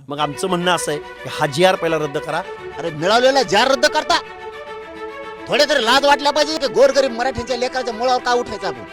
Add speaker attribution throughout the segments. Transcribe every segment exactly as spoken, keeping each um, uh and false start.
Speaker 1: मग आमचं म्हणणं असं आहे की हा जी आर पहिला रद्द करा.
Speaker 2: अरे मिळवलेला जार रद्द करता थोडे तरी लाज वाटल्या पाहिजे की गोरगरीब मराठीच्या लेकराच्या मुळावर का उठायचा आपण.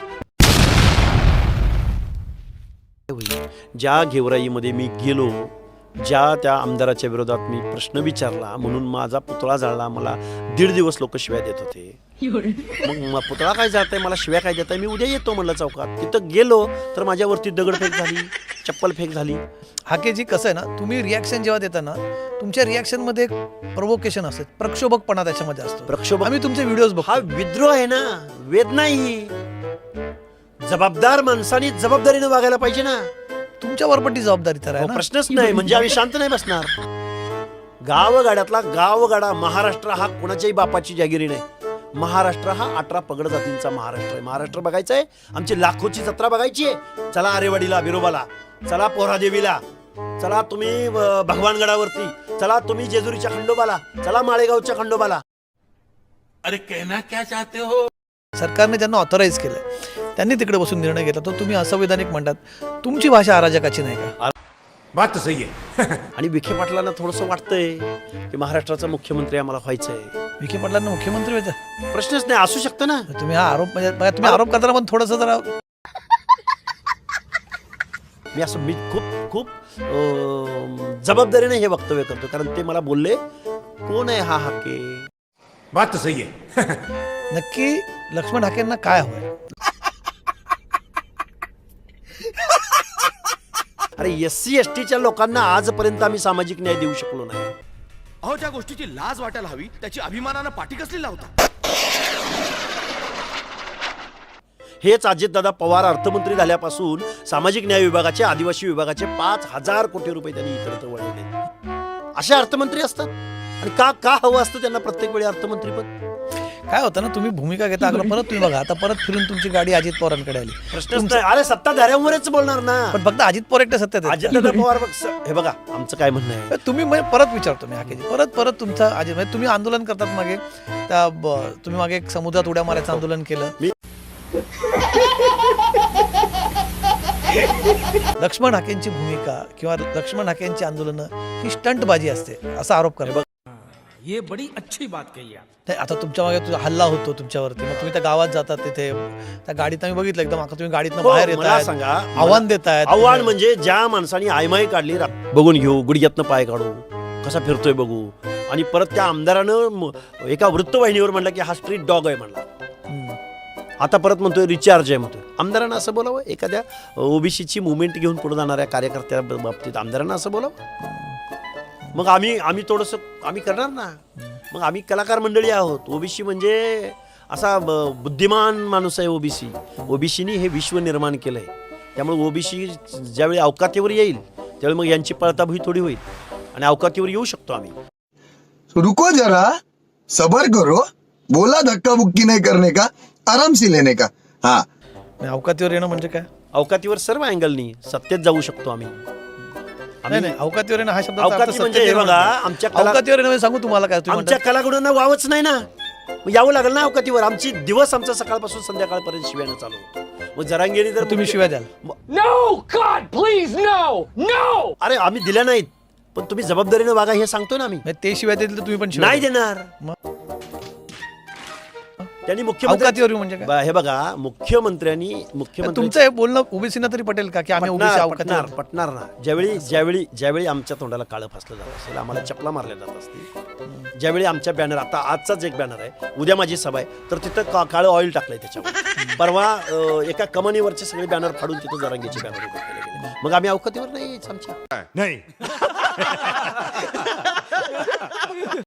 Speaker 1: ज्या घेवराईमध्ये मी गेलो, ज्या त्या आमदाराच्या विरोधात मी प्रश्न विचारला म्हणून माझा पुतळा जाळला, मला दीड दिवस लोक शिव्या देत होते. मग पुतळा काय जाळताय, मला शिव्या काय देताय, मी उद्या येतो म्हणलं चौकात. तिथं गेलो तर माझ्यावरती दगडफेक झाली, चप्पल फेक झाली.
Speaker 3: हाकेजी कसं आहे ना, तुम्ही रिॲक्शन जेव्हा देता ना, तुमच्या रिॲक्शनमध्ये एक प्रोवोकेशन असते, प्रक्षोभकपणा त्याच्यामध्ये असतो.
Speaker 1: प्रक्षोभक
Speaker 3: आम्ही तुमचे व्हिडिओज बघतो.
Speaker 1: हा विद्रोह आहे ना, वेदना ही. जबाबदार माणसाने जबाबदारीने वागायला पाहिजे ना.
Speaker 3: तुमच्यावर पण ती जबाबदारी तर आहे ना.
Speaker 1: प्रश्नच नाही, म्हणजे आम्ही शांत नाही बसणार. गावगाड्यातला गावगाडा महाराष्ट्र हा कोणाच्याही बापाची जागिरी नाही. महाराष्ट्र हा अठरा पगड जातींचा महाराष्ट्र आहे. महाराष्ट्र बघायचं आहे, आमची लाखोची जत्रा बघायची आहे. चला आरेवाडीला, बिरोबाला, चला पोहरादेवीला, चला तुम्ही भगवानगडावरती, चला तुम्ही जेजुरीच्या खंडोबाला, चला माळेगावच्या खंडोबाला.
Speaker 4: अरे कहना क्या चाहते हो.
Speaker 3: सरकारने ज्यांना ऑथराईज केलंय त्यांनी तिकडे बसून निर्णय घेतला, तर तुम्ही असंवैधानिक म्हणतात. तुमची भाषा अराजकाची नाही का?
Speaker 4: बात तो सही है.
Speaker 1: आणि विखे पाटलांना थोडंसं वाटतंय की महाराष्ट्राचा मुख्यमंत्री आम्हाला व्हायचंय.
Speaker 3: विखे पाटलांना मुख्यमंत्री व्हायचं
Speaker 1: प्रश्नच नाही, असू शकतं ना.
Speaker 3: तुम्ही हा आरोप म्हणजे बघा, तुम्ही आरोप करताना पण थोडंसं जरा
Speaker 1: मी असं मी खूप खूप अं, जबाबदारीने हे वक्तव्य करतो, कारण ते मला बोलले कोण आहे हा हाके.
Speaker 4: बात तो सही है.
Speaker 3: नक्की लक्ष्मण हाकेंना काय हवंय?
Speaker 1: अरे एस सी एस टीच्या लोकांना आजपर्यंत आम्ही सामाजिक न्याय देऊ शकलो नाही.
Speaker 5: अहो, ज्या गोष्टीची लाज वाटायला हवी त्याची अभिमानानं पाठी कसली लावता.
Speaker 1: हेच अजितदादा पवार अर्थमंत्री झाल्यापासून सामाजिक न्याय विभागाचे, आदिवासी विभागाचे पाच हजार कोटी रुपये त्यांनी इतरत्र वळवले. असे अर्थमंत्री असतात. आणि का का हवं असतं त्यांना प्रत्येक वेळी अर्थमंत्रीपद?
Speaker 3: काय होतं ना, तुम्ही भूमिका घेता, अगोदर परत तुम्ही बघा, आता परत फिरून तुमची गाडी अजित पवारांकडे आली.
Speaker 1: प्रश्नच नाही. अरे सत्ताधाऱ्यांवरच बोलणार ना.
Speaker 3: पण फक्त अजित पवार एकटे सत्तेत आहेत.
Speaker 1: अजितदादा पवार बघ, हे बघा आमचं काय म्हणणं आहे.
Speaker 3: तुम्ही म्हणजे परत विचारतो मी हाकेजी, परत परत तुमचा अजित म्हणजे तुम्ही आंदोलन करतात मागे त्या ब- तुम्ही मागे एक समुद्रात उड्या मारायचं आंदोलन केलं.
Speaker 1: मी-
Speaker 3: लक्ष्मण हाकेंची भूमिका किंवा लक्ष्मण हाकेंची आंदोलनं ही स्टंटबाजी असते असा आरोप करा.
Speaker 4: ये बड़ी अच्छी बात कही आप.
Speaker 3: नाही, आता तुमच्या मागे तुझा हल्ला होतो तुमच्यावरती, मग तुम्ही त्या गावात जातात, तिथे त्या गाडीत आम्ही बघितलं एकदम, आता तुम्ही गाडीतनं
Speaker 1: हो,
Speaker 3: बाहेर
Speaker 1: मला
Speaker 3: येत
Speaker 1: सांगा,
Speaker 3: आव्हान देत आहेत.
Speaker 1: आव्हान म्हणजे ज्या माणसाने आयमाई काढली, रा- बघून घेऊ, गुडघ्यातनं पाय काढू, कसा फिरतोय बघू. आणि परत त्या आमदारानं म- एका वृत्तवाहिनीवर म्हणलं की हा स्ट्रीट डॉग आहे म्हणला. आता परत म्हणतोय रिचार्ज आहे म्हणतोय. आमदारांना असं बोलावं? एखाद्या ओबीसीची मुवमेंट घेऊन पुढे जाणाऱ्या कार्यकर्त्या बाबतीत आमदारांना असं बोलावं? मग आम्ही आम्ही थोडंसं आम्ही करणार ना. मग आम्ही कलाकार मंडळी आहोत. ओबीसी म्हणजे असा ब- बुद्धिमान माणूस आहे ओबीसी. ओबीसीनी हे विश्व निर्माण केलं आहे. त्यामुळे ओबीसी ज्यावेळी अवकातीवर येईल त्यावेळी मग यांची पळताभुई थोडी होईल आणि अवकातीवर येऊ शकतो आम्ही.
Speaker 6: रुको जरा, सबर करो, बोला धक्का बुक्की नहीं करने का, आराम से लेने का. हाँ,
Speaker 3: अवकातीवर येणं म्हणजे काय?
Speaker 1: अवकातीवर सर्व अँगलनी सत्तेत जाऊ शकतो आम्ही.
Speaker 3: नाही नाही, अवकातीवर येणं हा शब्द
Speaker 1: अवकाती म्हणजे हे बघा, आमच्या कला-
Speaker 3: अवकातीवर येणं म्हणजे सांगू तुम्हाला काय, तुम्ही
Speaker 1: आमच्या
Speaker 3: म्हणता-
Speaker 1: कलागुणांना वावच नाही ना. मग यावं लागेल ना अवकातीवर. आमची दिवस आमचा सकाळपासून संध्याकाळपर्यंत शिव्यानं चालू होतो. मग जरांगेरी जर
Speaker 3: तुम्ही शिवाय द्याल.
Speaker 7: No, God, please, no, no!
Speaker 1: अरे आम्ही दिल्या नाहीत, पण तुम्ही जबाबदारीने वागा हे सांगतो ना आम्ही.
Speaker 3: म्हणजे ते शिवाय देतील तर तुम्ही पण शिवाय
Speaker 1: नाही
Speaker 3: द्याल.
Speaker 1: देणार.
Speaker 3: मग?
Speaker 1: त्यांनी मुख्यमंत्री
Speaker 3: अवकातीवर येऊ म्हणजे काय?
Speaker 1: बा- हे बघा, मुख्यमंत्र्यांनी मुख्यमंत्री
Speaker 3: तुमचं हे बोलणं ओबीसीना तरी पटेल का की आम्ही ओबीसी
Speaker 1: पटणार
Speaker 3: अवकातीवर?
Speaker 1: पटणार पटणार ना. ज्यावेळी ज्यावेळी ज्यावेळी आमच्या तोंडाला काळं फासलं जात असेल, आम्हाला चपला मारल्या जात असतील, ज्यावेळी आमच्या बॅनर, आता आजचाच एक बॅनर आहे, उद्या माझी सभा आहे, तर तिथं का काळं ऑइल टाकलंय त्याच्यावर. परवा अं, एका कमानीवरचे सगळे बॅनर फाडून तिथं जरांगीचे बॅनर उभे केले गेले. मग आम्ही अवकातीवर नाही यायचं आमच्या.
Speaker 4: नहीं.